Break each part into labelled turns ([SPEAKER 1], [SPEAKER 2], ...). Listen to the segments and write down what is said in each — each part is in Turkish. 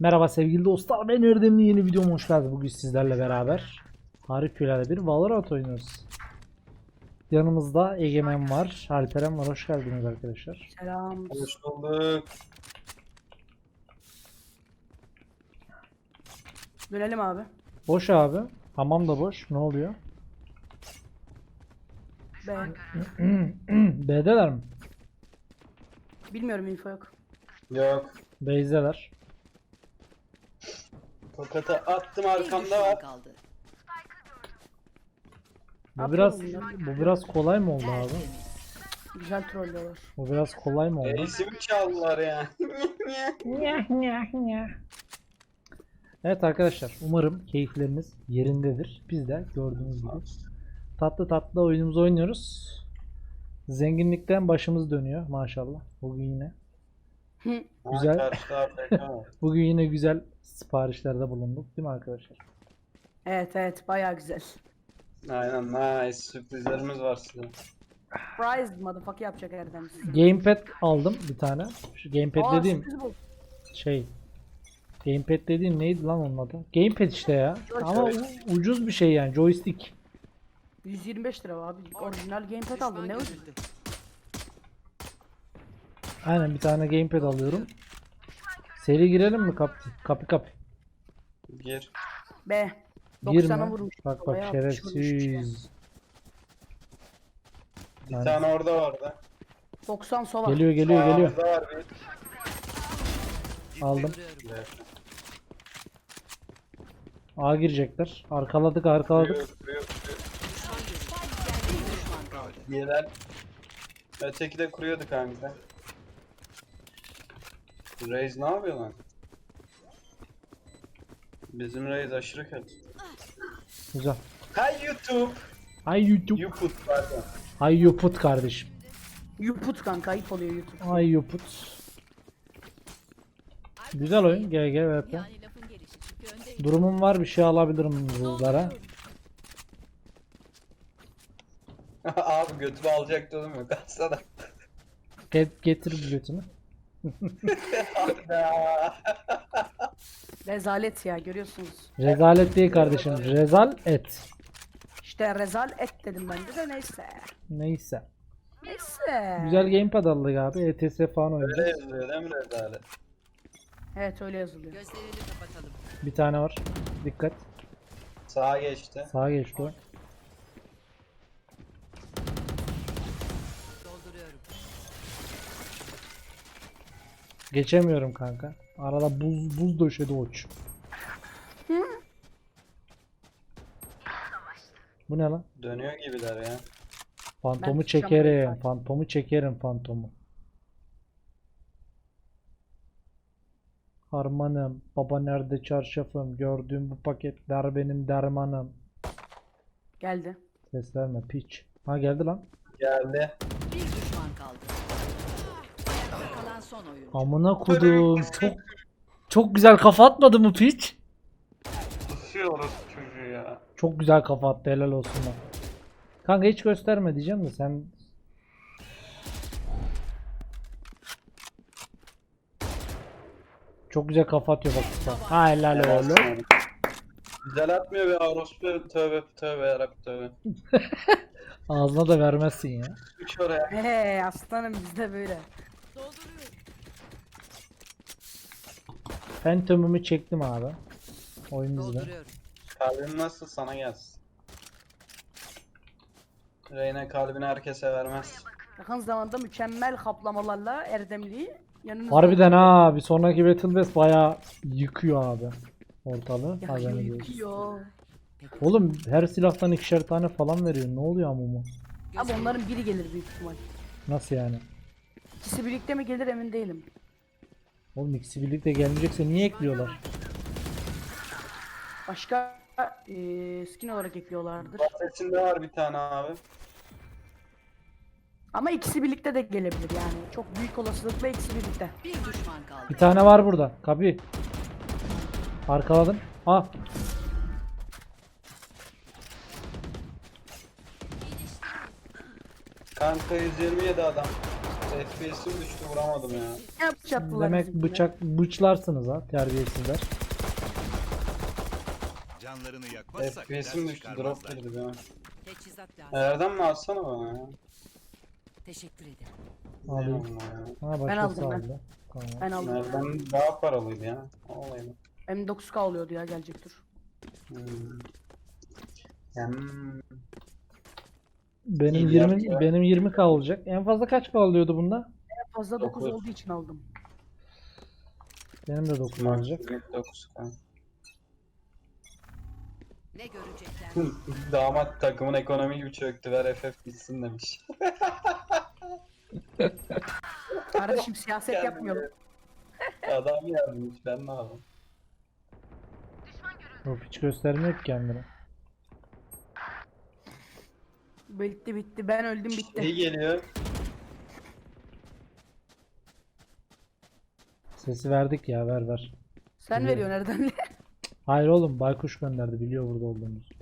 [SPEAKER 1] Merhaba sevgili dostlar, ben Erdemli, yeni videoma hoş geldiniz. Bugün sizlerle beraber harikulade bir Valorant oynuyoruz. Yanımızda Egemen var, Alperen var. Hoş geldiniz arkadaşlar.
[SPEAKER 2] Selam.
[SPEAKER 3] Hoş bulduk.
[SPEAKER 2] Dönelim abi.
[SPEAKER 1] Boş abi. Hamam da boş. Ne oluyor?
[SPEAKER 2] B.
[SPEAKER 1] B'deler mi?
[SPEAKER 2] Bilmiyorum, info yok.
[SPEAKER 3] Yok.
[SPEAKER 1] B'deler.
[SPEAKER 3] Tokatı attım, arkamda var.
[SPEAKER 1] Bu biraz kolay mı oldu abi?
[SPEAKER 2] Güzel trollüyorlar.
[SPEAKER 1] Bu biraz kolay mı oldu?
[SPEAKER 3] Reisimi çaldılar ya.
[SPEAKER 1] Evet arkadaşlar, umarım keyifleriniz yerindedir. Biz de gördüğünüz gibi tatlı tatlı oyunumuzu oynuyoruz. Zenginlikten başımız dönüyor maşallah. Bugün yine Güzel.
[SPEAKER 3] Karşıda AFK var.
[SPEAKER 1] bugün yine güzel siparişlerde bulunduk, değil mi arkadaşlar?
[SPEAKER 2] Evet, bayağı güzel.
[SPEAKER 3] Aynen, nice. Sürprizlerimiz var size.
[SPEAKER 2] Prize motherfucker yapacak Erdem size.
[SPEAKER 1] Gamepad aldım bir tane. Şu gamepad dediğim
[SPEAKER 2] sürpriz bu.
[SPEAKER 1] şey. Gamepad dediğim neydi lan onun adı? Gamepad işte ya. Ama ucuz bir şey yani, joystick.
[SPEAKER 2] 125 lira abi. Orijinal gamepad aldım. Ne ucuz.
[SPEAKER 1] Aynen, bir tane gamepad alıyorum. Seri girelim mi kapı?
[SPEAKER 3] Gir.
[SPEAKER 2] B.
[SPEAKER 1] Girme.
[SPEAKER 2] 90'a vurmuş.
[SPEAKER 1] Bak
[SPEAKER 2] Bayağı
[SPEAKER 1] şerefsiz.
[SPEAKER 3] Bir
[SPEAKER 1] Yani-
[SPEAKER 3] tane orada vardı.
[SPEAKER 2] 90 sova.
[SPEAKER 1] Geliyor.
[SPEAKER 3] Sağımızda var bir.
[SPEAKER 1] Aldım.
[SPEAKER 3] Evet.
[SPEAKER 1] A girecekler. Arkaladık.
[SPEAKER 3] Kuruyor. Diğerler. Öteki de kuruyordu kanka. Reis ne yapıyor lan? Bizim Reis aşırı kötü.
[SPEAKER 1] Güzel.
[SPEAKER 3] Hi YouTube.
[SPEAKER 1] Ay YouTube.
[SPEAKER 3] YouTube pardon.
[SPEAKER 1] Ay yuput kardeşim.
[SPEAKER 2] Yuput kanka, ayıp oluyor YouTube.
[SPEAKER 1] Ay yuput. Güzel oyun. GG VP. Durumum var, bir şey alabilirim buzlara.
[SPEAKER 3] Abi götümü alacaktı oğlum, yok alsana.
[SPEAKER 1] Getir bir götünü.
[SPEAKER 2] Rezalet ya, görüyorsunuz.
[SPEAKER 1] Rezalet değil kardeşim. Rezal et.
[SPEAKER 2] İşte rezal et dedim ben de neyse.
[SPEAKER 1] Neyse.
[SPEAKER 2] Neyse.
[SPEAKER 1] Güzel gamepad aldık abi. ETS falan
[SPEAKER 3] Öyle
[SPEAKER 1] oynayacağız.
[SPEAKER 3] yazılıyor değil mi rezalet?
[SPEAKER 2] Evet, öyle yazılıyor.
[SPEAKER 4] Gözlerini kapatalım.
[SPEAKER 1] Bir tane var. Dikkat.
[SPEAKER 3] Sağa geçti.
[SPEAKER 1] Sağa geçti o.
[SPEAKER 4] Dolduruyorum.
[SPEAKER 1] Geçemiyorum kanka. Arada buz döşedi oç. Bu ne lan?
[SPEAKER 3] Dönüyor gibiler ya.
[SPEAKER 1] Fantomu
[SPEAKER 2] Ben tutacağım
[SPEAKER 1] çekerim.
[SPEAKER 2] lütfen.
[SPEAKER 1] Fantomu çekerim fantomu. Harmanım. Baba nerede çarşafım? Gördüğüm bu paketler benim dermanım.
[SPEAKER 2] Geldi.
[SPEAKER 1] Ses verme piç. Ha geldi lan.
[SPEAKER 3] Geldi.
[SPEAKER 4] Bir düşman kaldı. Ayakta kalan son oyun.
[SPEAKER 1] Amına kodum. Çok güzel kafa atmadı mı piç?
[SPEAKER 3] Tutuyoruz çocuğu ya.
[SPEAKER 1] Çok güzel kafa attı, helal olsun lan. Kanka hiç gösterme diyeceğim de sen... Çok güzel kafa atıyor bak usta. Ha helal oğlum.
[SPEAKER 3] Güzel atmıyor be orospu, tövbe yarabbim tövbe.
[SPEAKER 1] Ağzına da vermezsin ya.
[SPEAKER 3] Üç oraya.
[SPEAKER 2] He aslanım, bizde böyle.
[SPEAKER 1] Phantom'umu çektim abi. Oyun bizde.
[SPEAKER 4] Dolduruyorum.
[SPEAKER 3] Kalbin nasıl sana gelsin. Reyna kalbini herkese vermez.
[SPEAKER 2] Yakın zamanda mükemmel kaplamalarla Erdemli'yi yanınızda...
[SPEAKER 1] Harbiden ha, bir sonraki Battle Pass bayağı yıkıyor abi ortalığı.
[SPEAKER 2] Yakıyor,
[SPEAKER 1] Haberiniz olsun.
[SPEAKER 2] yıkıyor.
[SPEAKER 1] Oğlum her silahtan ikişer tane falan veriyor. Ne oluyor amumu?
[SPEAKER 2] Abi onların biri gelir büyük ihtimal.
[SPEAKER 1] Nasıl yani?
[SPEAKER 2] İkisi birlikte mi gelir emin değilim.
[SPEAKER 1] Oğlum ikisi birlikte gelmeyecekse niye ekliyorlar?
[SPEAKER 2] Başka skin olarak ekliyorlardır.
[SPEAKER 3] Bahsetinde var bir tane abi.
[SPEAKER 2] Ama ikisi birlikte de gelebilir yani. Çok büyük olasılıkla ikisi birlikte.
[SPEAKER 4] Bir düşman kaldı.
[SPEAKER 1] Bir tane var burada. Kapı. Arkaladım. Ah.
[SPEAKER 3] Kanka 127 adam. FPS'im düştü vuramadım ya.
[SPEAKER 2] Ne bıçaktılar
[SPEAKER 1] Demek
[SPEAKER 2] bizimkine?
[SPEAKER 1] bıçlarsınız ha terbiyesizler.
[SPEAKER 5] Canlarını yakmazsak
[SPEAKER 3] FPS'im
[SPEAKER 5] ders
[SPEAKER 3] düştü drop
[SPEAKER 5] çıkarmazlar.
[SPEAKER 3] girdi ya.
[SPEAKER 4] Teçhizat lazım.
[SPEAKER 3] Nereden mi alsana bana ya?
[SPEAKER 4] Teşekkür ederim.
[SPEAKER 1] Alayım.
[SPEAKER 3] Eyvallah ya.
[SPEAKER 1] Ha
[SPEAKER 2] Ben
[SPEAKER 1] başkası
[SPEAKER 2] aldım ben.
[SPEAKER 1] aldı. Tamam.
[SPEAKER 2] Ben aldım.
[SPEAKER 3] Nereden daha paralıydı ya. Olaydı.
[SPEAKER 2] M9K oluyordu ya, gelecek dur.
[SPEAKER 3] Hmm. Hmm.
[SPEAKER 1] Benim
[SPEAKER 3] İyi
[SPEAKER 1] 20
[SPEAKER 3] yaptı.
[SPEAKER 1] benim 20k olacak. En fazla kaç k alıyordu bunda?
[SPEAKER 2] En fazla 9
[SPEAKER 3] Dokuz.
[SPEAKER 2] olduğu için aldım.
[SPEAKER 1] Benim de 9 olacak.
[SPEAKER 3] 9K.
[SPEAKER 4] Ne görecekler?
[SPEAKER 3] Damat takımın ekonomi gibi çöktü. Ver FF bitsin demiş.
[SPEAKER 2] Kardeşim siyaset yapmıyorum.
[SPEAKER 3] Adam yazmış ben ne yapayım?
[SPEAKER 1] Yok hiç göstermiyor ki kendini.
[SPEAKER 2] Bitti bitti, ben öldüm
[SPEAKER 3] İyi
[SPEAKER 2] bitti.
[SPEAKER 3] geliyor.
[SPEAKER 1] Sesi verdik ya ver.
[SPEAKER 2] Sen veriyorsun nereden?
[SPEAKER 1] Hayır oğlum baykuş gönderdi biliyor burada olduğumuzu.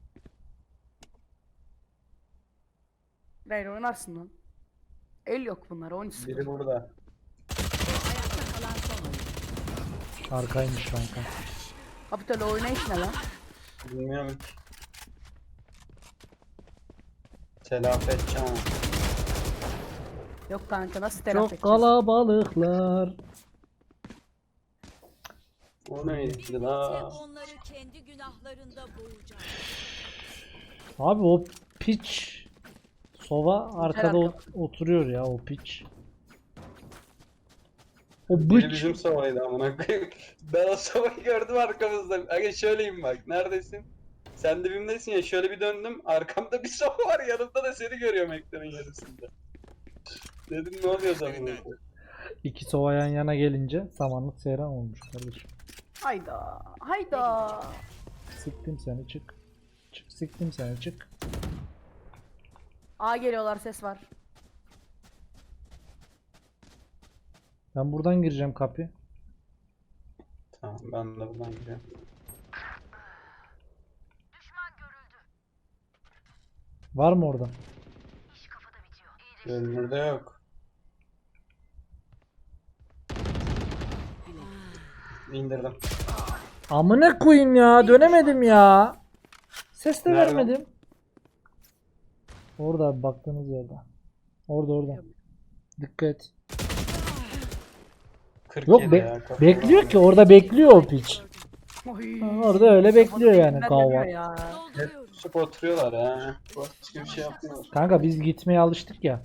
[SPEAKER 2] Hayır, oynarsın lan. El yok bunlara, 13
[SPEAKER 3] Biri burada.
[SPEAKER 4] Ayakta kalan son oyuncu.
[SPEAKER 1] Arkaymış kanka.
[SPEAKER 2] Kapital oynayış ne lan?
[SPEAKER 3] Bilmiyorum ki. Telafi edeceğim ama.
[SPEAKER 2] Yok kanka, nasıl telafi
[SPEAKER 1] Çok
[SPEAKER 2] edeceğiz?
[SPEAKER 1] kalabalıklar.
[SPEAKER 3] O neydi la?
[SPEAKER 4] Onları kendi günahlarında boğacağım.
[SPEAKER 1] Abi o piç Sova arkada
[SPEAKER 2] arka.
[SPEAKER 1] oturuyor ya o piç. O
[SPEAKER 3] Biri
[SPEAKER 1] bıç.
[SPEAKER 3] bizim sovaydı amına koyayım. Ben o sovayı gördüm arkamızda. Aga şöyleyim bak. Neredesin? Sen dibimdesin ya. Şöyle bir döndüm. Arkamda bir sova var. Yanımda da seni görüyorum ekranın yarısında. Dedim ne oluyor zaman?
[SPEAKER 1] İki Sova yan yana gelince samanlık seyran olmuş kardeşim.
[SPEAKER 2] Hayda. Hayda.
[SPEAKER 1] Siktim seni çık. Çık siktim seni çık.
[SPEAKER 2] A geliyorlar, ses var.
[SPEAKER 1] Ben buradan gireceğim kapı.
[SPEAKER 3] Tamam ben de buradan gidiyorum.
[SPEAKER 1] Var mı orada?
[SPEAKER 3] Görünürde yok. İndirdim.
[SPEAKER 1] Amına koyayım ya dönemedim ya. Ses de
[SPEAKER 3] Nerede?
[SPEAKER 1] vermedim. Orada abi, baktığınız yerde. Orada. Dikkat et.
[SPEAKER 3] 47
[SPEAKER 1] Yok
[SPEAKER 3] ya. kafalar.
[SPEAKER 1] bekliyor ki orada bekliyor o piç.
[SPEAKER 2] Oy.
[SPEAKER 1] Ha, orada öyle bekliyor yani
[SPEAKER 2] Kafada
[SPEAKER 1] kahva.
[SPEAKER 2] dönüyor ya.
[SPEAKER 4] Dolduruyorum.
[SPEAKER 3] Tutup oturuyorlar ya. Başka bir şey yapmıyorlar.
[SPEAKER 1] Kanka biz gitmeye alıştık ya.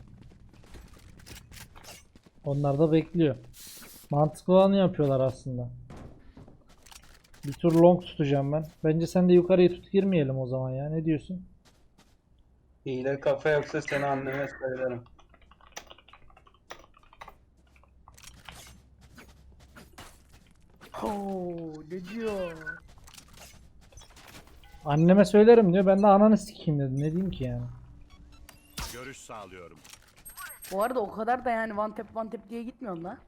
[SPEAKER 1] Onlar da bekliyor. Mantıklı olanı yapıyorlar aslında. Bir tur long tutacağım ben. Bence sen de yukarıyı tut girmeyelim o zaman ya. Ne diyorsun?
[SPEAKER 3] Hile kafa yoksa seni anneme söylerim.
[SPEAKER 2] Oo, ne diyor?
[SPEAKER 1] Anneme söylerim diyor. Ben de ananı sikeyim dedim. Ne diyeyim ki yani?
[SPEAKER 5] Görüş sağlıyorum.
[SPEAKER 2] Bu arada o kadar da yani one tap diye gitmiyorum la.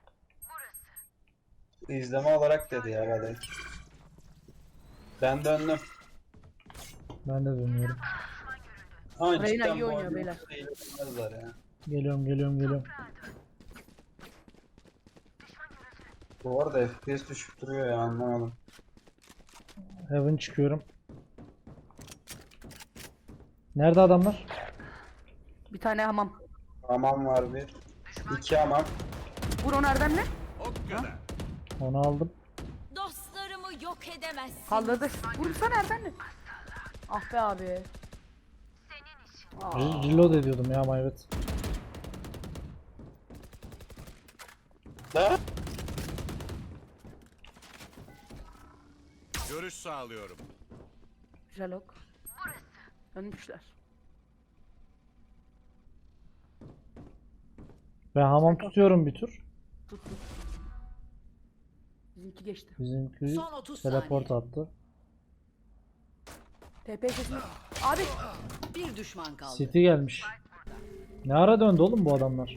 [SPEAKER 3] İzleme olarak dedi ya belki. Ben döndüm.
[SPEAKER 1] Ben de dönüyorum.
[SPEAKER 3] Ama
[SPEAKER 2] Reyna
[SPEAKER 3] cidden
[SPEAKER 2] iyi
[SPEAKER 3] bu
[SPEAKER 2] oynuyor
[SPEAKER 3] oyunu
[SPEAKER 2] beyler.
[SPEAKER 3] hile bilmezler ya.
[SPEAKER 1] Geliyorum.
[SPEAKER 3] Bu arada FPS düşüp duruyor ya anlamadım.
[SPEAKER 1] Heaven çıkıyorum. Nerede adamlar?
[SPEAKER 2] Bir tane hamam.
[SPEAKER 3] Hamam var bir. İki hamam.
[SPEAKER 2] Vur onu Erdem'le.
[SPEAKER 5] O kadar.
[SPEAKER 1] Onu aldım.
[SPEAKER 4] Dostlarımı yok edemezsin.
[SPEAKER 2] Kaldırdı. Vursana Erdem'le. Ah be abi.
[SPEAKER 1] Reload ediyordum ya Mayvet.
[SPEAKER 3] Da?
[SPEAKER 5] Görüş sağlıyorum.
[SPEAKER 2] Güzel ok. Dönmüşler.
[SPEAKER 1] Ben hamam tutuyorum bir tur.
[SPEAKER 2] Tut. Bizimki geçti.
[SPEAKER 1] Bizimki
[SPEAKER 4] Son 30
[SPEAKER 1] teleport
[SPEAKER 4] saniye.
[SPEAKER 1] attı.
[SPEAKER 2] TP sesini. Abi.
[SPEAKER 4] Bir düşman kaldı.
[SPEAKER 1] City gelmiş. Ne ara döndü oğlum bu adamlar?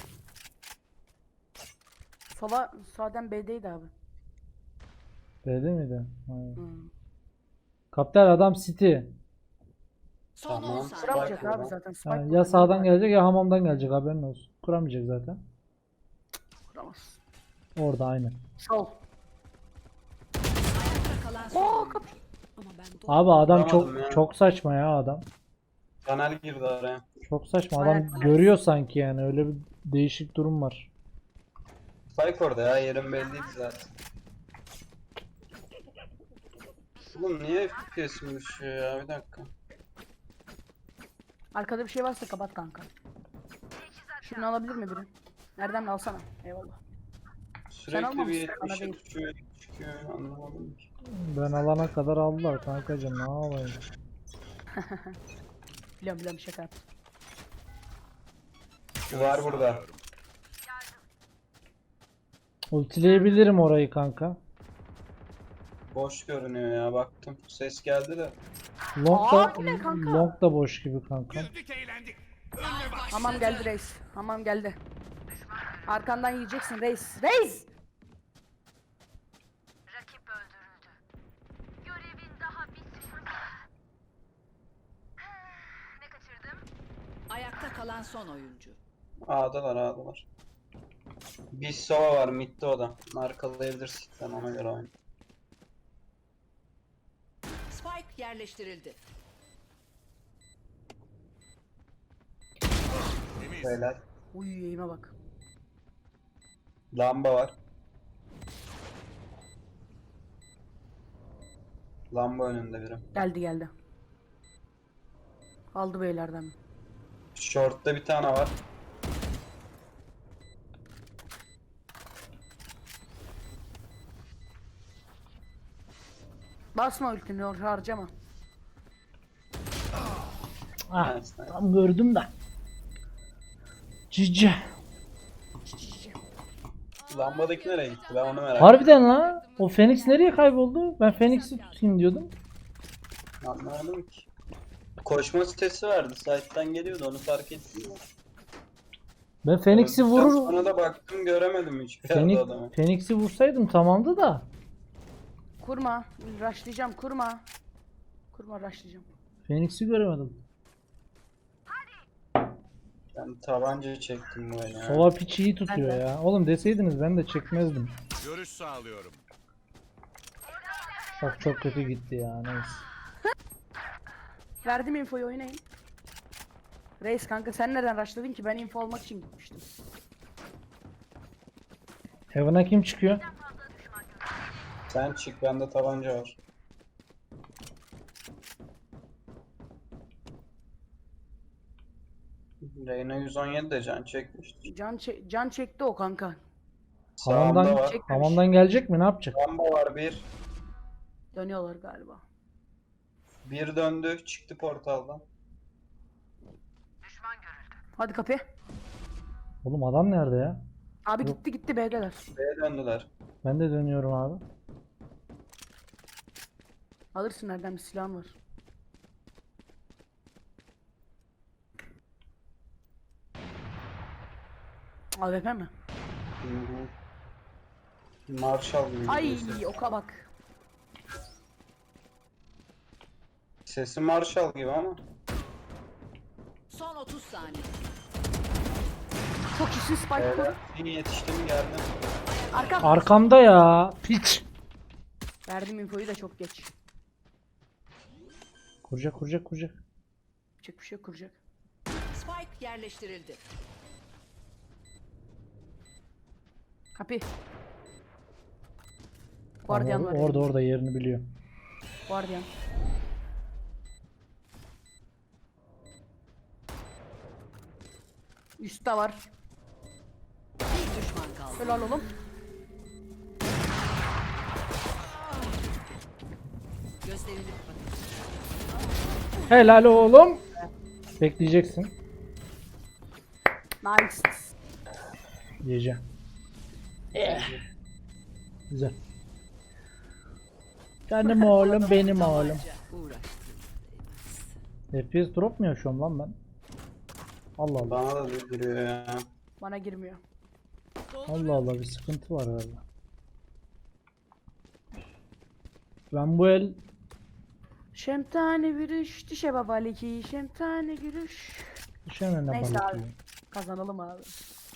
[SPEAKER 2] Sola sağdan B'deydi abi.
[SPEAKER 1] B'de miydi? Hayır.
[SPEAKER 2] Hmm.
[SPEAKER 1] Kaptan adam City.
[SPEAKER 4] Son
[SPEAKER 3] Tamam.
[SPEAKER 4] 10
[SPEAKER 2] Sıra
[SPEAKER 4] saniye.
[SPEAKER 2] yapacak abi zaten.
[SPEAKER 1] Ha,
[SPEAKER 2] Spike
[SPEAKER 1] ya
[SPEAKER 2] burada,
[SPEAKER 1] sağdan
[SPEAKER 2] var.
[SPEAKER 1] gelecek ya hamamdan gelecek haberin olsun. kuramayacak zaten.
[SPEAKER 2] Kuramaz.
[SPEAKER 1] Orada aynı.
[SPEAKER 2] Sol.
[SPEAKER 4] Ayakta kalan son
[SPEAKER 2] Oo
[SPEAKER 4] oyuncu.
[SPEAKER 2] kapı.
[SPEAKER 4] Ama ben
[SPEAKER 1] Abi adam
[SPEAKER 3] Kuramadım ya.
[SPEAKER 1] çok saçma ya adam.
[SPEAKER 3] Kanal girdi araya.
[SPEAKER 1] Çok saçma.
[SPEAKER 2] Aynen,
[SPEAKER 1] Adam
[SPEAKER 2] aynen.
[SPEAKER 1] görüyor sanki yani. Öyle bir değişik durum var.
[SPEAKER 3] Spike orada ya, yerim belliydi zaten. Oğlum niye FPS'im düşüyor ya, bir dakika.
[SPEAKER 2] Arkada bir şey varsa kapat kanka. Şunu alabilir mi biri? Nereden mi alsana? Eyvallah.
[SPEAKER 3] Sürekli bir
[SPEAKER 2] almamışsın, bana
[SPEAKER 3] 70'e
[SPEAKER 2] değil.
[SPEAKER 3] düşüyor, çıkıyor, anlamadım ki.
[SPEAKER 1] Ben alana kadar aldılar kankacım. Ne yapayım?
[SPEAKER 2] Biliyorum şaka yaptım.
[SPEAKER 3] Var burada.
[SPEAKER 5] Sağlıyorum.
[SPEAKER 1] Ultileyebilirim orayı kanka.
[SPEAKER 3] Boş görünüyor ya, baktım. Ses geldi de.
[SPEAKER 2] Aa, bu ne kanka?
[SPEAKER 1] Long da boş gibi kanka.
[SPEAKER 5] Güldük eğlendik.
[SPEAKER 2] Hamam geldi reis. Hamam geldi. Arkandan yiyeceksin reis. Reis!
[SPEAKER 6] Rakip öldürüldü. Görevin daha bitmedi. Ne kaçırdım?
[SPEAKER 4] ayakta kalan son oyuncu.
[SPEAKER 3] A'dalar. Bir sova var midde, o da. Markalayabilirsin, ben ona göre oynayayım.
[SPEAKER 4] Spike yerleştirildi.
[SPEAKER 5] Temiz.
[SPEAKER 3] Beyler.
[SPEAKER 2] Uy yayıma bak.
[SPEAKER 3] Lamba var. Lamba önünde biri.
[SPEAKER 2] Geldi. Aldı beylerden.
[SPEAKER 3] Short'ta bir tane var.
[SPEAKER 2] Basma ultini harcama.
[SPEAKER 1] Ah,
[SPEAKER 3] Nice, nice.
[SPEAKER 1] tam gördüm de. Cici.
[SPEAKER 3] Lambadaki nereye gitti? Ben onu merak
[SPEAKER 1] Harbiden la. O Phoenix nereye kayboldu? Ben Phoenix'i tutayım diyordum.
[SPEAKER 3] Anlamadım ki. Koşma sesi verdi. Site'den geliyordu, onu fark ettim.
[SPEAKER 1] Ben Phoenix'i vurur.
[SPEAKER 3] Sonra da baktım, göremedim hiçbir yerde adamı.
[SPEAKER 1] Phoenix'i vursaydım tamamdı da.
[SPEAKER 2] Kurma. Rushlayacağım kurma. Kurma rushlayacağım.
[SPEAKER 1] Phoenix'i göremedim.
[SPEAKER 3] Ben tabanca çektim bu oyunu ya.
[SPEAKER 1] Sova piç iyi tutuyor
[SPEAKER 2] Ben de.
[SPEAKER 1] ya. Oğlum deseydiniz ben de çekmezdim.
[SPEAKER 5] Görüş sağlıyorum.
[SPEAKER 1] Çok kötü gitti ya neyse.
[SPEAKER 2] Verdim infoyu oynayın. Reis kanka sen nereden rushladın ki? Ben info almak için gitmiştim.
[SPEAKER 1] Heaven'a kim çıkıyor?
[SPEAKER 3] Sen çık, bende tabanca var. Reyna 117 de can çekmiştir.
[SPEAKER 2] Can çekti o kanka.
[SPEAKER 3] Sağımda
[SPEAKER 1] Hamamdan,
[SPEAKER 3] var.
[SPEAKER 1] hamamdan gelecek mi? Ne yapacak?
[SPEAKER 3] Lamba var bir.
[SPEAKER 2] Dönüyorlar galiba.
[SPEAKER 3] Bir döndü, çıktı portaldan.
[SPEAKER 2] Hadi kapı.
[SPEAKER 1] Oğlum adam nerede ya?
[SPEAKER 2] Abi gitti B'deler.
[SPEAKER 3] B'ye döndüler.
[SPEAKER 1] Ben de dönüyorum abi.
[SPEAKER 2] Alırsın nereden bir silahın var. AWP mi?
[SPEAKER 3] Hı hı. Marshall gibi.
[SPEAKER 2] Ay
[SPEAKER 3] gidiyor ses.
[SPEAKER 2] oka bak.
[SPEAKER 3] Sesi Marshall gibi ama.
[SPEAKER 4] Son 30 saniye.
[SPEAKER 2] Çok işin spike
[SPEAKER 3] Beyler,
[SPEAKER 2] koru.
[SPEAKER 3] iyi yetiştim, geldim.
[SPEAKER 2] Arka.
[SPEAKER 1] Arkamda ya. Piç.
[SPEAKER 2] Verdim infoyu da çok geç.
[SPEAKER 1] Kuracak.
[SPEAKER 2] Yapacak bir şey yok, kuracak.
[SPEAKER 4] Spike yerleştirildi.
[SPEAKER 2] Kapı. Guardian var.
[SPEAKER 1] Orada yerini biliyor.
[SPEAKER 2] Guardian. Üstte var.
[SPEAKER 4] Bir düşman kaldı.
[SPEAKER 2] Helal oğlum.
[SPEAKER 4] Gözlerini kapatın.
[SPEAKER 1] Helal oğlum. Bekleyeceksin.
[SPEAKER 2] Nice.
[SPEAKER 1] Yiyeceğim. Güzel. Canım oğlum benim oğlum.
[SPEAKER 4] Uğraştınız.
[SPEAKER 1] FPS drop mu yaşıyorum lan ben? Allah Allah.
[SPEAKER 3] Bana da giriyor ya.
[SPEAKER 2] Bana girmiyor.
[SPEAKER 1] Allah Allah bir sıkıntı var herhalde. Ben bu el
[SPEAKER 2] Şemtane virüş, dişe babaliki, şemtane gülüş.
[SPEAKER 1] düşemem ne
[SPEAKER 2] Neyse
[SPEAKER 1] balık
[SPEAKER 2] abi.
[SPEAKER 1] yiyeyim.
[SPEAKER 2] Kazanalım abi.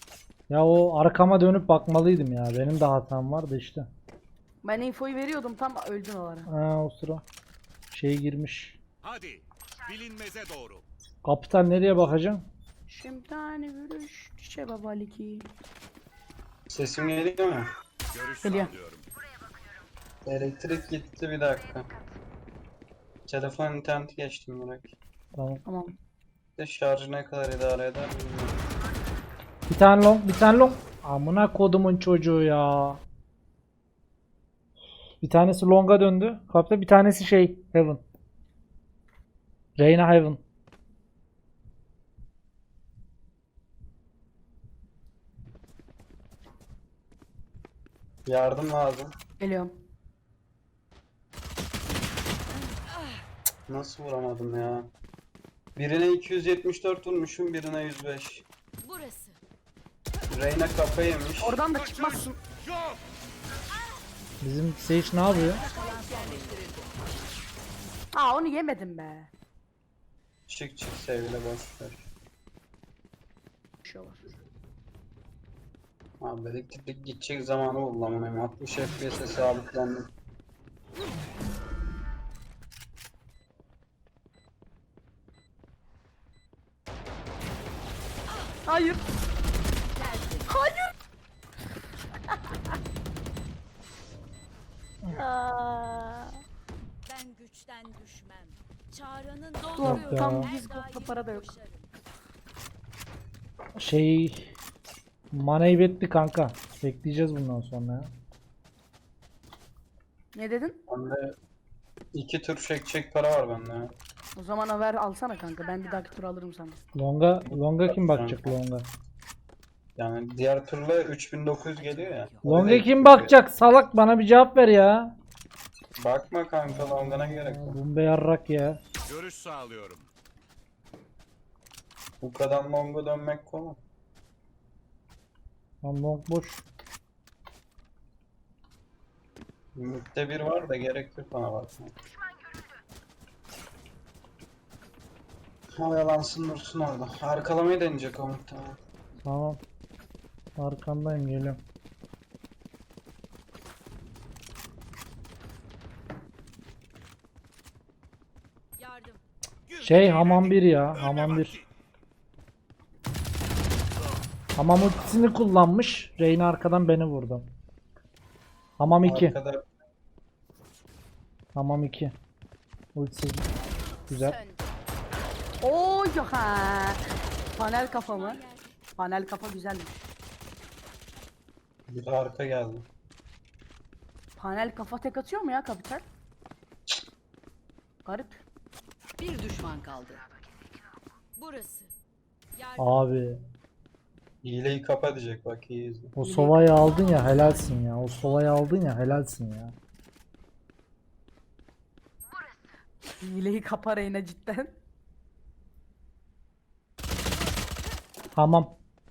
[SPEAKER 1] Ya o arkama dönüp bakmalıydım ya. Benim de hatam vardı işte.
[SPEAKER 2] Ben infoyu veriyordum tam öldün o ara.
[SPEAKER 1] Ha o sıra. Şey girmiş.
[SPEAKER 5] Hadi. Bilinmeze doğru.
[SPEAKER 1] Kapitan nereye bakacağım?
[SPEAKER 2] Şimdi tane vurmuş. Çiçe babaliki.
[SPEAKER 3] Sesim geliyor mu?
[SPEAKER 5] Görüş
[SPEAKER 2] Geliyor.
[SPEAKER 5] sağlıyorum.
[SPEAKER 3] Elektrik gitti, bir dakika. Telefon interneti geçtim bırak.
[SPEAKER 1] Tamam.
[SPEAKER 2] Tamam.
[SPEAKER 3] De şarjı ne kadar idare eder bilmiyorum.
[SPEAKER 1] Bir tane long, bir tane long. Amına kodumun çocuğu ya. Bir tanesi long'a döndü. Kapta bir tanesi şey Heaven. Reyna Heaven.
[SPEAKER 3] Yardım lazım.
[SPEAKER 2] Geliyorum.
[SPEAKER 3] Nasıl vuramadım ya? Birine 274 vurmuşum, birine 105.
[SPEAKER 4] Burası.
[SPEAKER 3] Reyna kafa yemiş.
[SPEAKER 2] Oradan da çıkmazsın.
[SPEAKER 5] Yok.
[SPEAKER 1] Bizim Sage ne yapıyor?
[SPEAKER 2] Aa onu yemedim be.
[SPEAKER 3] Çık çık sevgili boş ver.
[SPEAKER 2] Bir şey var.
[SPEAKER 3] Abi elektrik gidecek zamanı buldum ama 60 FPS'e sabitlendim.
[SPEAKER 2] Hayır. Hayır. Aa,
[SPEAKER 4] Ben güçten düşmem. Çağrı'nın
[SPEAKER 2] Yok
[SPEAKER 4] dolduruyor.
[SPEAKER 2] tam
[SPEAKER 1] ya.
[SPEAKER 2] biz kopta para da yok.
[SPEAKER 1] Şey Manayı betti kanka. Bekleyeceğiz bundan sonra ya.
[SPEAKER 2] Ne dedin?
[SPEAKER 3] Bende 2 tur çekecek para var bende ya.
[SPEAKER 2] O zaman ver alsana kanka. Ben bir dahaki tur alırım sana.
[SPEAKER 1] Longa kim bakacak longa?
[SPEAKER 3] Yani diğer turla 3900 geliyor ya.
[SPEAKER 1] Longa kim bakacak? Salak bana bir cevap ver ya.
[SPEAKER 3] Bakma kanka, longana gerek yok.
[SPEAKER 1] Bombe yarrak ya.
[SPEAKER 5] Görüş sağlıyorum.
[SPEAKER 3] Bu kadar longa dönmek konu.
[SPEAKER 1] Lan long boş.
[SPEAKER 3] Mid'de bir var da gerek yok bana bakma. Oyalansın dursun orada. Arkalamayı deneyecek o muhtemelen.
[SPEAKER 1] Tamam. Arkandayım geliyorum.
[SPEAKER 4] Yardım.
[SPEAKER 1] Şey hamam 1 ya. Hamam 1. Hamam ultisini kullanmış. Reyna arkadan beni vurdu. Hamam 2.
[SPEAKER 3] Arkada
[SPEAKER 1] Hamam 2. Ultisi. Güzel.
[SPEAKER 4] Sön.
[SPEAKER 2] Oo ha. Panel kafa mı? Panel kafa güzelmiş.
[SPEAKER 3] bir de arka geldi.
[SPEAKER 2] Panel kafa tek atıyor mu ya kapital? Garip.
[SPEAKER 4] Bir düşman kaldı. Burası. Yardım.
[SPEAKER 1] Abi.
[SPEAKER 3] Hileyi kapa diyecek, bak iyi izle.
[SPEAKER 1] O sovayı aldın ya helalsin ya. O sovayı aldın ya helalsin ya.
[SPEAKER 2] Hileyi kapar yine cidden.
[SPEAKER 1] Hamam.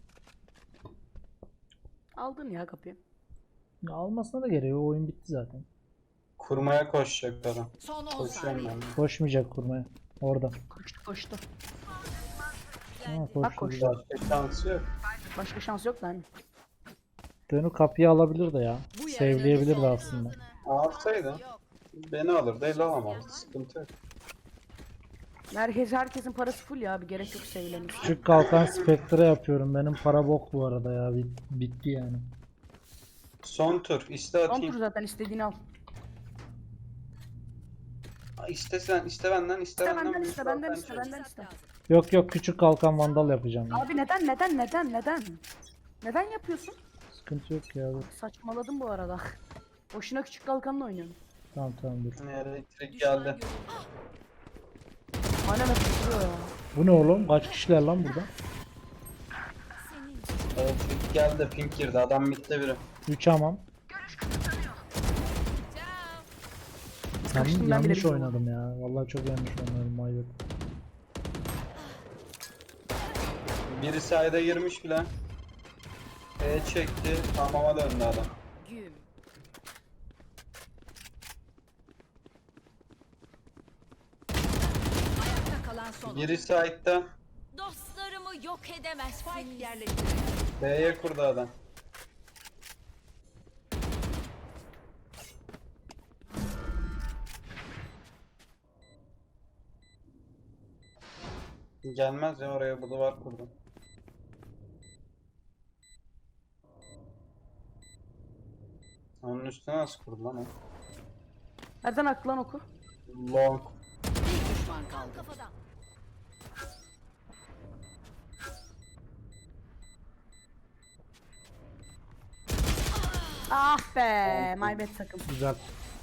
[SPEAKER 2] Aldın ya kapıyı.
[SPEAKER 1] Ya almasına da gerek yok. Oyun bitti zaten.
[SPEAKER 3] Kurmaya koşacak adam.
[SPEAKER 4] Son 10
[SPEAKER 3] Koşuyorum
[SPEAKER 4] saniye.
[SPEAKER 3] ben.
[SPEAKER 1] Koşmayacak kurmaya. Orada.
[SPEAKER 2] Koştu koştu.
[SPEAKER 1] Ha,
[SPEAKER 2] Bak
[SPEAKER 1] koştu.
[SPEAKER 2] koştu.
[SPEAKER 1] güzel.
[SPEAKER 3] Başka şansı yok.
[SPEAKER 2] Başka şans yok lan.
[SPEAKER 1] Dönü kapıyı alabilir de ya. Sevleyebilir de aslında.
[SPEAKER 3] Alsaydı beni alırdı, el alamazdı. Sıkıntı yok.
[SPEAKER 2] Herkesin parası full ya, bir gerek yok sevlemesi.
[SPEAKER 1] Küçük kalkan Spectre yapıyorum. Benim para bok bu arada ya. Bitti yani.
[SPEAKER 3] Son tur. İste
[SPEAKER 2] Son tur
[SPEAKER 3] atayım.
[SPEAKER 2] zaten, istediğini al.
[SPEAKER 3] İste sen, iste benden, iste
[SPEAKER 2] İste
[SPEAKER 3] benden.
[SPEAKER 2] benden, iste benden, iste
[SPEAKER 3] Zaten
[SPEAKER 2] benden, iste.
[SPEAKER 1] Yok yok küçük kalkan vandal yapacağım. Ya.
[SPEAKER 2] Abi neden? Neden yapıyorsun?
[SPEAKER 1] Sıkıntı yok ya. Dur.
[SPEAKER 2] Saçmaladım bu arada. Boşuna küçük kalkanla oynuyorum.
[SPEAKER 1] Tamam dur.
[SPEAKER 3] elektrik
[SPEAKER 4] Düşman
[SPEAKER 3] geldi.
[SPEAKER 4] görüldü.
[SPEAKER 2] Aynen atıyor ya.
[SPEAKER 1] Bu ne oğlum? Kaç kişiler lan burada?
[SPEAKER 4] Senin
[SPEAKER 3] Elektrik geldi, pink girdi. Adam bitti biri.
[SPEAKER 1] 3 hamam.
[SPEAKER 2] Sıkıştım ben bile
[SPEAKER 1] Yanlış
[SPEAKER 2] bilmiyorum.
[SPEAKER 1] oynadım ya. Vallahi çok yanlış oynadım. Mayvet.
[SPEAKER 3] Biri sayda girmiş bile. Çekti, hamama döndü adam.
[SPEAKER 4] güm. Ayakta kalan son.
[SPEAKER 3] Biri side'da.
[SPEAKER 4] Dostlarımı yok edemezsin. Spike yerleştirildi.
[SPEAKER 3] B'ye kurdu adam. Gelmez ya oraya, bu duvar kurdu. Onun üstüne nasıl kurdu lan o?
[SPEAKER 2] Nereden aktı lan oku?
[SPEAKER 3] Long.
[SPEAKER 4] Bir düşman kaldı.
[SPEAKER 6] Kafadan.
[SPEAKER 2] Ah be, my bad takım.
[SPEAKER 1] Güzel.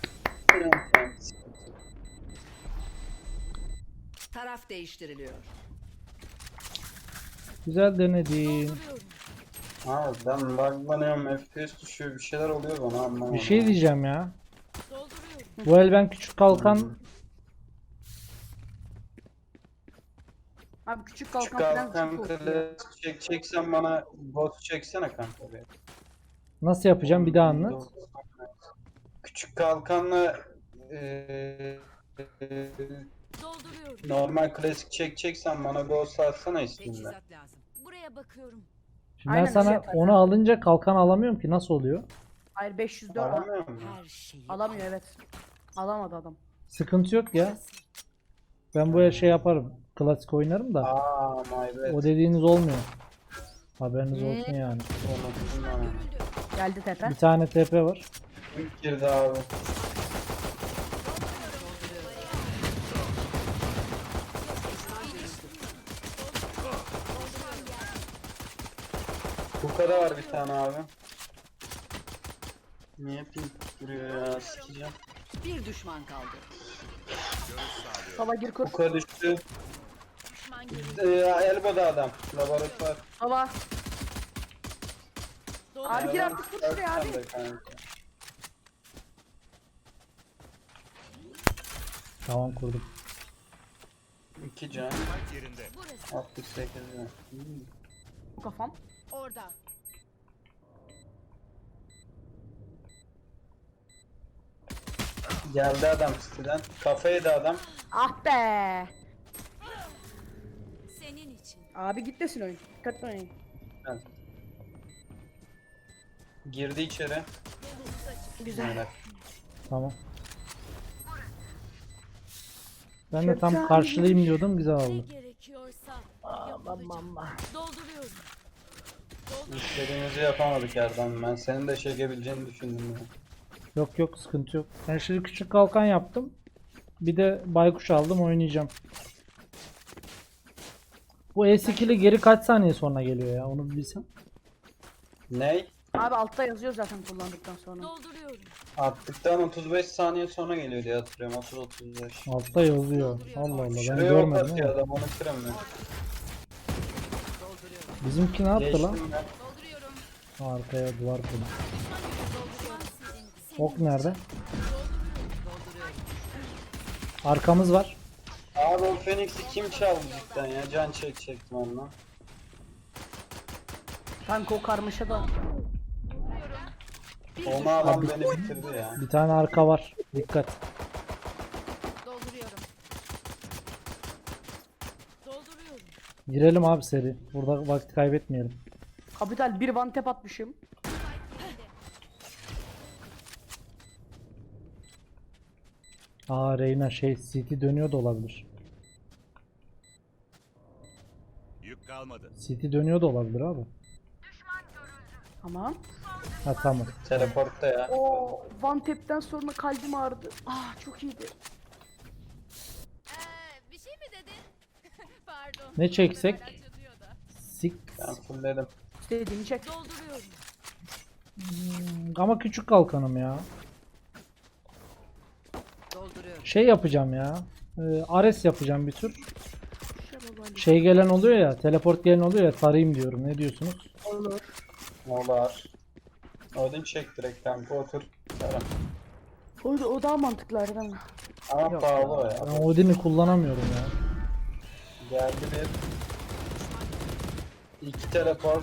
[SPEAKER 4] Taraf değiştiriliyor.
[SPEAKER 1] Güzel denedin.
[SPEAKER 3] Ha ben buglanıyorum, FPS düşüyor, bir şeyler oluyor bana, anlamadım.
[SPEAKER 1] Bir şey diyeceğim ya.
[SPEAKER 6] Dolduruyorum.
[SPEAKER 1] Bu el ben küçük kalkan
[SPEAKER 2] Abi küçük
[SPEAKER 3] Şu
[SPEAKER 2] kalkan falan
[SPEAKER 3] kalkan
[SPEAKER 2] çok korkuyor.
[SPEAKER 3] kılıç çeksen bana, bot çeksene kanka be.
[SPEAKER 1] nasıl yapacağım bir daha anlat.
[SPEAKER 3] Küçük kalkanla
[SPEAKER 6] Dolduruyorum.
[SPEAKER 3] normal klasik çekeceksen bana ghost atsana isminde.
[SPEAKER 4] Teçhizat lazım.
[SPEAKER 6] Buraya bakıyorum.
[SPEAKER 1] Şimdi ben
[SPEAKER 2] Aynen,
[SPEAKER 1] sana
[SPEAKER 2] öyle yaparım.
[SPEAKER 1] onu alınca kalkan alamıyorum ki, nasıl oluyor?
[SPEAKER 2] Hayır 504
[SPEAKER 3] Alamıyor musun?
[SPEAKER 4] Her şeyi
[SPEAKER 2] alamıyor evet. Alamadı adam.
[SPEAKER 1] Sıkıntı yok ya. Ben bu el şey yaparım. Klasik oynarım da.
[SPEAKER 3] Aa my bad.
[SPEAKER 1] O dediğiniz olmuyor. Haberiniz olsun yani.
[SPEAKER 3] Unuttum ben.
[SPEAKER 6] Görüldü.
[SPEAKER 2] Geldi tepe.
[SPEAKER 1] Bir tane TP var.
[SPEAKER 3] İlk girdi abi. Bu kadar var bir tane abi. Niye pink duruyor ya, sikeceğim.
[SPEAKER 4] bir düşman kaldı.
[SPEAKER 2] Baba gir kur.
[SPEAKER 3] Kuka düştü.
[SPEAKER 6] Düşman görüldü.
[SPEAKER 3] Elbow'da adam. Laboratuvar.
[SPEAKER 2] Baba.
[SPEAKER 6] Dolduruyorum.
[SPEAKER 2] Abi gir artık kur şuraya abi.
[SPEAKER 3] Sen de kanka.
[SPEAKER 1] Tamam kurdum.
[SPEAKER 3] 2 can.
[SPEAKER 5] Kalp yerinde.
[SPEAKER 6] Burası.
[SPEAKER 3] 68 can.
[SPEAKER 2] Bu kafam.
[SPEAKER 6] Orada.
[SPEAKER 3] Geldi adam siteden. Kafaydı adam.
[SPEAKER 2] Ah be.
[SPEAKER 6] Senin için.
[SPEAKER 2] Abi git desin oyun. Dikkatli oynayın.
[SPEAKER 3] Evet. Girdi içeri.
[SPEAKER 2] Güzel.
[SPEAKER 3] Evet.
[SPEAKER 1] Tamam. Ben de tam karşılayayım diyordum, güzel
[SPEAKER 6] Ne
[SPEAKER 1] oldu.
[SPEAKER 6] gerekiyorsa yapılacak. Dolduruyorum.
[SPEAKER 3] İstediğimizi yapamadık Erdem. Ben senin de çekebileceğini düşündüm ya.
[SPEAKER 1] Yok yok, sıkıntı yok. Ben şimdi küçük kalkan yaptım. Bir de baykuş aldım, oynayacağım. Bu E-skill'i geri kaç saniye sonra geliyor ya, onu bir bilsem.
[SPEAKER 3] Ney?
[SPEAKER 2] Abi altta yazıyor zaten kullandıktan sonra.
[SPEAKER 6] Dolduruyorum.
[SPEAKER 3] Attıktan 35 saniye sonra geliyor diye hatırlıyorum. 30-35.
[SPEAKER 1] Altta yazıyor. Allah Allah, ben
[SPEAKER 3] Şuraya ok
[SPEAKER 1] görmedim
[SPEAKER 3] atıyor
[SPEAKER 1] ama.
[SPEAKER 3] adam, onu kıramıyor.
[SPEAKER 1] Bizimki ne yaptı lan?
[SPEAKER 3] Geçtim ben.
[SPEAKER 6] Dolduruyorum.
[SPEAKER 1] Arkaya duvar kurdu.
[SPEAKER 6] Dolduruyorum. Senin
[SPEAKER 1] Ok nerede?
[SPEAKER 6] dolduruyorum.
[SPEAKER 1] Arkamız var.
[SPEAKER 3] Abi o Phoenix'i kim çaldı cidden ya? Can çekecektim onunla.
[SPEAKER 2] Kanka o karmaşa da.
[SPEAKER 3] Onu alan beni bitirdi ya.
[SPEAKER 1] Bir tane arka var. Dikkat.
[SPEAKER 6] Dolduruyorum. Dolduruyorum.
[SPEAKER 1] Girelim abi seri. Burada vakit kaybetmeyelim.
[SPEAKER 2] Kapital bir one tap atmışım.
[SPEAKER 1] Aa Reyna şey CT dönüyor da olabilir.
[SPEAKER 5] Yük kalmadı.
[SPEAKER 1] CT dönüyor da olabilir abi.
[SPEAKER 2] Tamam.
[SPEAKER 1] Ha tamam.
[SPEAKER 3] Teleportta ya.
[SPEAKER 2] O one tap'ten sonra kalbim ağrıdı. Ah çok iyiydi.
[SPEAKER 6] Bir şey mi dedin? Pardon.
[SPEAKER 1] Ne çeksek?
[SPEAKER 6] Hala çatıyor da.
[SPEAKER 1] Sik.
[SPEAKER 3] Ben fullledim.
[SPEAKER 2] İstediğini çek.
[SPEAKER 6] Dolduruyorum.
[SPEAKER 1] Ama küçük kalkanım ya.
[SPEAKER 4] Dolduruyorum.
[SPEAKER 1] Şey yapacağım ya. Ares yapacağım bir tür. Şey gelen oluyor ya. Teleport gelen oluyor ya. Tarayayım diyorum. Ne diyorsunuz?
[SPEAKER 2] Olur.
[SPEAKER 3] Molar. Odin çek direkt kanka, otur. Tamam.
[SPEAKER 2] O daha mantıklı harbiden.
[SPEAKER 3] Ama pahalı o ya.
[SPEAKER 1] Ben Odin'i kullanamıyorum ya.
[SPEAKER 3] Geldi bir. 2 teleport.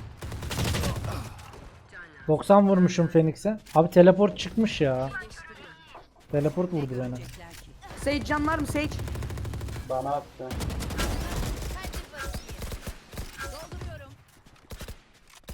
[SPEAKER 1] 90 vurmuşum Phoenix'e. Abi teleport çıkmış ya. Teleport vurdu beni.
[SPEAKER 4] Görecekler ki.
[SPEAKER 2] Sage can var mı Sage?
[SPEAKER 3] Bana attı.
[SPEAKER 6] Dolduruyorum.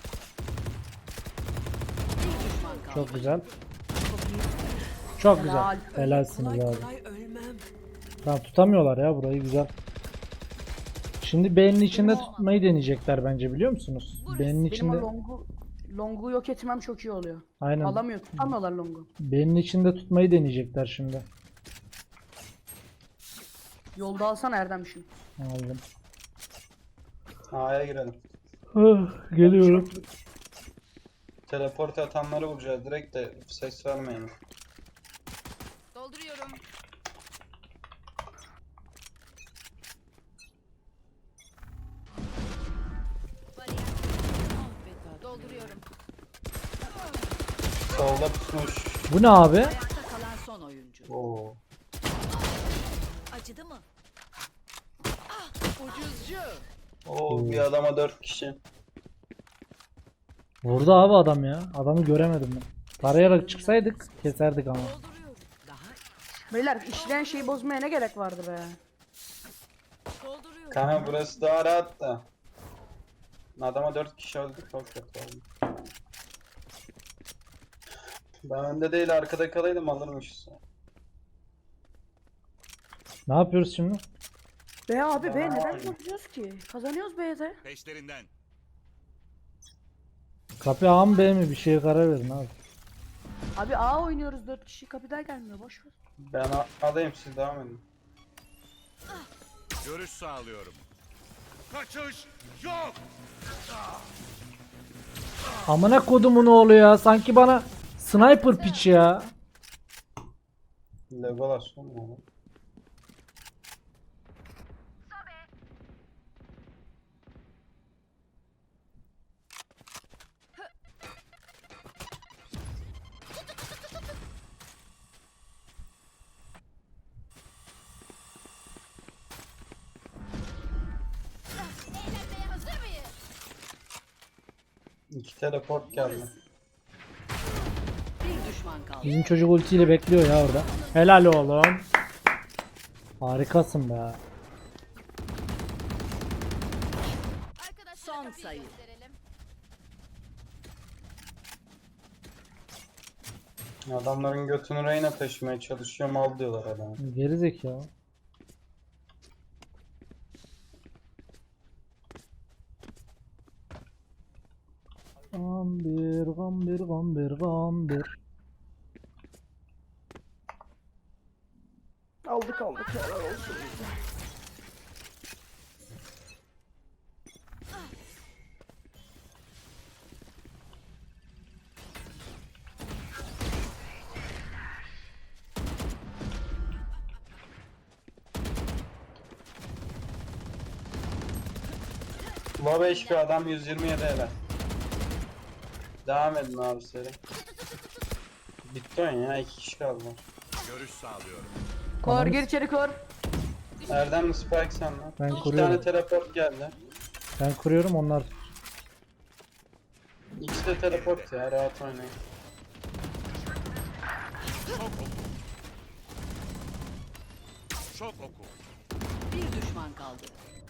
[SPEAKER 1] Çok güzel. Çok güzel.
[SPEAKER 2] Helal.
[SPEAKER 1] Helalsiniz
[SPEAKER 4] Kolay
[SPEAKER 1] abi.
[SPEAKER 4] kolay ölmem.
[SPEAKER 1] Tamam, tutamıyorlar ya burayı, güzel. Şimdi B'nin içinde tutmayı deneyecekler bence, biliyor musunuz? B'nin
[SPEAKER 2] Benim o
[SPEAKER 1] içinde
[SPEAKER 2] longu yok etmem çok iyi oluyor.
[SPEAKER 1] aynen.
[SPEAKER 2] Alamıyor, tutamıyorlar longu.
[SPEAKER 1] B'nin içinde tutmayı deneyecekler şimdi.
[SPEAKER 2] Yolda alsana Erdem'şim.
[SPEAKER 1] Aldım.
[SPEAKER 3] A'ya girelim.
[SPEAKER 1] Geliyorum.
[SPEAKER 3] Teleport atanları vuracağız direkt de ses vermeyin.
[SPEAKER 6] Dolduruyorum. Bariyer. Dolduruyorum.
[SPEAKER 3] Solda tutmuş.
[SPEAKER 1] Bu ne abi?
[SPEAKER 4] Ayakta kalan son oyuncu.
[SPEAKER 3] Oo.
[SPEAKER 4] Acıdı mı?
[SPEAKER 3] Oo bir adama 4 kişi.
[SPEAKER 1] Vurdu abi adam ya. Adamı göremedim ben. Tarayarak çıksaydık keserdik ama.
[SPEAKER 6] Dolduruyorum.
[SPEAKER 2] Beyler işleyen şeyi bozmaya ne gerek vardı be?
[SPEAKER 6] Dolduruyorum.
[SPEAKER 3] Kanka burası daha rahat da. Adama 4 kişi öldü, çok kötü oldu. Ben önde değil arkada kalaydım alırmışız.
[SPEAKER 1] Ne yapıyoruz şimdi?
[SPEAKER 2] Be abi be
[SPEAKER 3] Aa.
[SPEAKER 2] neden kazanıyoruz ki? Kazanıyoruz B'de.
[SPEAKER 5] Peşlerinden.
[SPEAKER 1] Kapı A mı B mi? Bir şeye karar verin abi.
[SPEAKER 2] Abi A oynuyoruz 4 kişi kapıda gelmiyor boş ver.
[SPEAKER 3] Ben adayım, siz devam edin.
[SPEAKER 5] Görüş sağlıyorum. Kaçış yok.
[SPEAKER 1] Amına kodumun oğlu ya. Sanki bana sniper piç ya.
[SPEAKER 3] Legolas olmuyor.
[SPEAKER 6] Eğlenmeye hazır mıyız?
[SPEAKER 3] 2 teleport geldi.
[SPEAKER 4] Bir düşman kaldı.
[SPEAKER 1] Bizim çocuk ultiyle bekliyor ya orada. Helal oğlum. Harikasın be.
[SPEAKER 6] Arkadaşlar
[SPEAKER 4] Son
[SPEAKER 6] kapıyı
[SPEAKER 4] sayı.
[SPEAKER 6] gösterelim.
[SPEAKER 3] Adamların götünü reyna taşımaya çalışıyor, mal diyorlar adama.
[SPEAKER 1] Geri zekalı. Gambir, gambir, gambir, gambir.
[SPEAKER 2] Aldık helal olsun.
[SPEAKER 3] Low HP adam 127 hele. Devam edin abi seri. Bitti oyun ya, 2 kişi kaldı.
[SPEAKER 5] Görüş sağlıyorum.
[SPEAKER 2] Kor gir içeri kor.
[SPEAKER 3] Erdemli Spike sende.
[SPEAKER 1] Ben
[SPEAKER 3] 2
[SPEAKER 1] kuruyorum.
[SPEAKER 3] tane teleport geldi.
[SPEAKER 1] Ben kuruyorum, onlar.
[SPEAKER 3] İkisi de teleport ya, rahat oynayın.
[SPEAKER 5] Çok oku. Çok oku.
[SPEAKER 4] Bir düşman kaldı.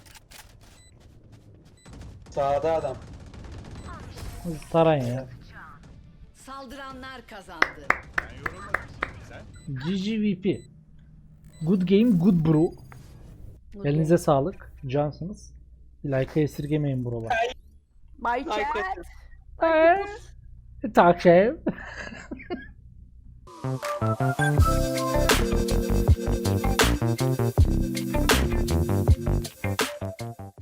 [SPEAKER 3] Sağda adam.
[SPEAKER 1] Tarayın ya.
[SPEAKER 4] Saldıranlar kazandı.
[SPEAKER 5] Ben yorulmadım. Sen?
[SPEAKER 1] GGVP. Good game, good bro. Elinize sağlık. Cansınız. Like'ı esirgemeyin buralar.
[SPEAKER 2] My chat.
[SPEAKER 1] Takip.